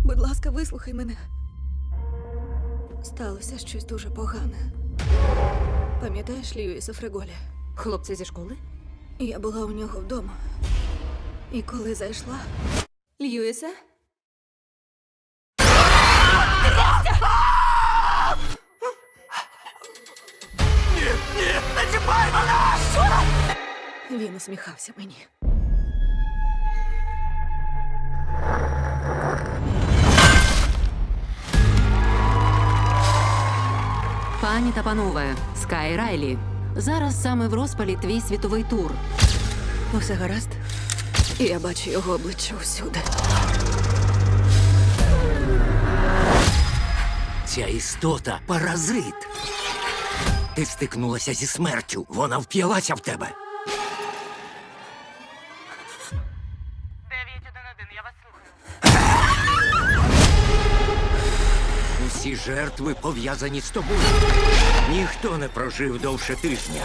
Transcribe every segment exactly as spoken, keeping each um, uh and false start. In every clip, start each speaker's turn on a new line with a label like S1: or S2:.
S1: Будь ласка, вислухай мене. Сталося щось дуже погане. Пам'ятаєш Льюіса Фреголі?
S2: Хлопці зі школи?
S1: Я була у нього вдома. І коли зайшла... Льюіса?
S3: Ні, ні, не чіпай мене!
S1: Він усміхався мені.
S4: Пані та панове, Скай Райлі. Зараз саме в розпалі твій світовий тур.
S1: Усе гаразд? І я бачу його обличчя усюди.
S3: Ця істота – паразит. Ти стикнулася зі смертю. Вона вп'ялася в тебе.
S5: дев'ять один один, я вас слухаю.
S3: Усі жертви пов'язані з тобою. Ніхто не прожив довше тижня.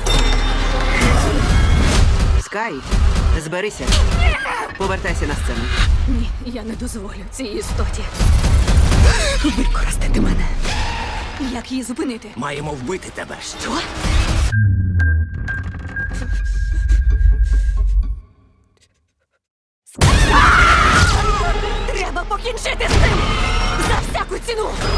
S6: Скай, зберися. Повертайся на сцену.
S1: Ні, я не дозволю цій істоті використати мене. Як її зупинити?
S3: Маємо вбити тебе.
S1: Що? Треба покінчити з цим! За всяку ціну!